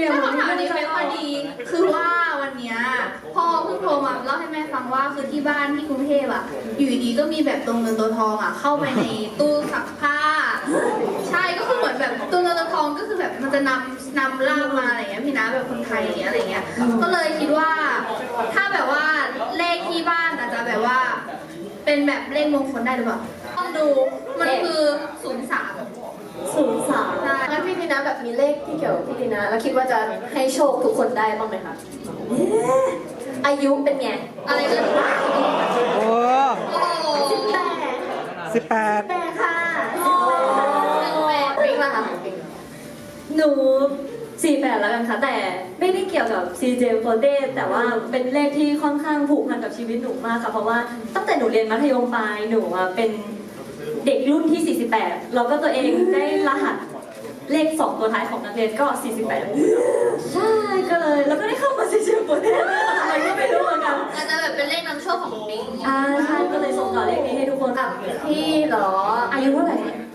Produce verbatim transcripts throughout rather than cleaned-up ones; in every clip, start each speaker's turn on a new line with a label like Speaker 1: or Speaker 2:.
Speaker 1: อ่ะ
Speaker 2: คำถามนี้ไม่ค่อยดีคือว่าวันเนี้ยพ่อเพิ่งโทรมาเล่าให้แม่ฟังว่าคือที่บ้านที่กรุงเทพอ่ะอยู่ดีๆก็มีแบบตัวเงินตัวทองอ่ะเข้าไปในตู้ซักผ้าใช่ก็คือเหมือนแบบตัวเงินตัวทองก็คือแบบมันจะนำนำล่างมาอะไรเงี้ยพี่นะแบบคนไทยอะไรเงี้ยก็เลยคิดว่าถ้าแบบว่าเลขที่บ้านอาจจะแบบว่าเป็นแบบเลขมงคลได้หรือเปล่าต้องดูมันคือศูนย์สาม
Speaker 1: ศูนย์สามงั้นพี่ทีนะแบบมีเลขที่เกี่ยวกับพี่ทีนะแล้วคิดว่าจะให้โชคทุกคนได้บ้างไหมคะอายุเป็นไง
Speaker 2: อะไรกัน
Speaker 3: โอ้
Speaker 2: โอ้โห
Speaker 1: สิบแปด
Speaker 3: สิบแปด
Speaker 1: แปดค่ะ
Speaker 2: โอ้แปด
Speaker 1: ปิ๊งละค่ะปิ๊งหนูสี่แปดแล้วกันค่ะแต่ไม่ได้เกี่ยวกับ ซี เจ โฟเต้แต่ว่าเป็นเลขที่ค่อนข้างผูกพันกับชีวิตหนูมากค่ะเพราะว่าตั้งแต่หนูเรียนมัธยมปลายหนูอะเป็นเด็กรุ่นที่สี่สิบแปดแล้วก็ตัวเองได้รหัสเลขสองตัวท้ายของนักเรียนก็สี่สิบแปดใช่ก็เลยแล้วก็ได้เข้ามา ซี เจ โฟเต้อะไรก็ไม่รู้เหมือนกัน
Speaker 2: อาจจะแบบเป็นเลขนำโชคของปิง
Speaker 1: อ่าใช่ก็เลยส่งต่อเลขนี้ให้ทุกคนแบบพี่เหรออายุเท่าไหร่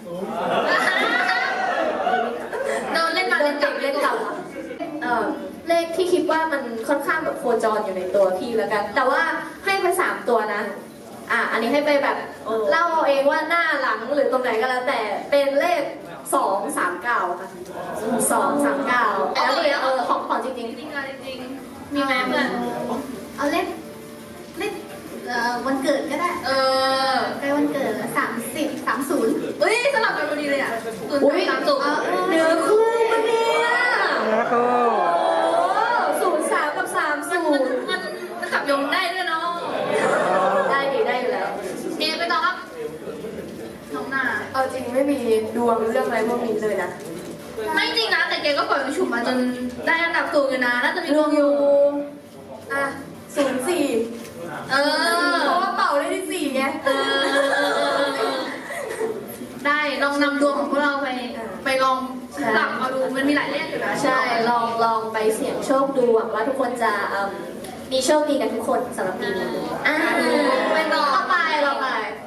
Speaker 2: โดนเล่นมาเล่นกลับ
Speaker 1: เล่นเก่าเอ่อเลขที่คิดว่ามันค่อนข้างแบบโคจรอยู่ในตัวพี่แล้วกัน แต่ว่าให้ไปสามตัวนะอ่ะอันนี้ให้ไปแบบเล่าเอาเองว่าหน้าหลังหรือตรงไหนก็แล้วแต่เป็นเลขสองสามเก้าค่ะสองสามเก้าแล้วเนี่ยเออของของจริง
Speaker 2: จริงๆจริงๆมีไหมเพื่อนเอาเลขเลขเอ่อวันเกิดก็ได้เออใกล้วันเกิดสามสิบสามศูนย์เฮ้ยสลับกันพอดีเลยอ่ะศูนย์
Speaker 1: อุ้ย
Speaker 2: สามศูนย์
Speaker 1: เนื้อคู่ปะเนี่ย
Speaker 3: แล้วก็
Speaker 1: ศูนย์สามกับสามศูนย์
Speaker 2: มันมันขับยงได้ด้วยเนาะ
Speaker 1: ได้ดีได้อยู่แล้ว
Speaker 2: เอไปต่อครับน้องหน้า
Speaker 1: เอาจริงไม่มีดวงเรื่องอะไรพวกนี้เลยนะ
Speaker 2: ไม่จริงนะแต่แกก็ปล่อยมันฉุบมาจนได้อันดับสูงอยู่นะน่าจะมีดวงอยู่
Speaker 1: อ่ะศูนย์สี่
Speaker 2: เออ
Speaker 1: เพราะว่าเป่าได้ที่สี่ไง
Speaker 2: เออได้ลองนำดวงของพวกเราไปไปลองปรับเอาดูมันมีหลายเลขอยู่นะ
Speaker 1: ใช่ลองลองไปเสี่ยงโชคดูหวังว่าทุกคนจะเอิ่มมีโชคดีกันทุกคนสำหรับปีนี้อ่ะ
Speaker 2: ไปต่อ
Speaker 1: ต่อไปเราไป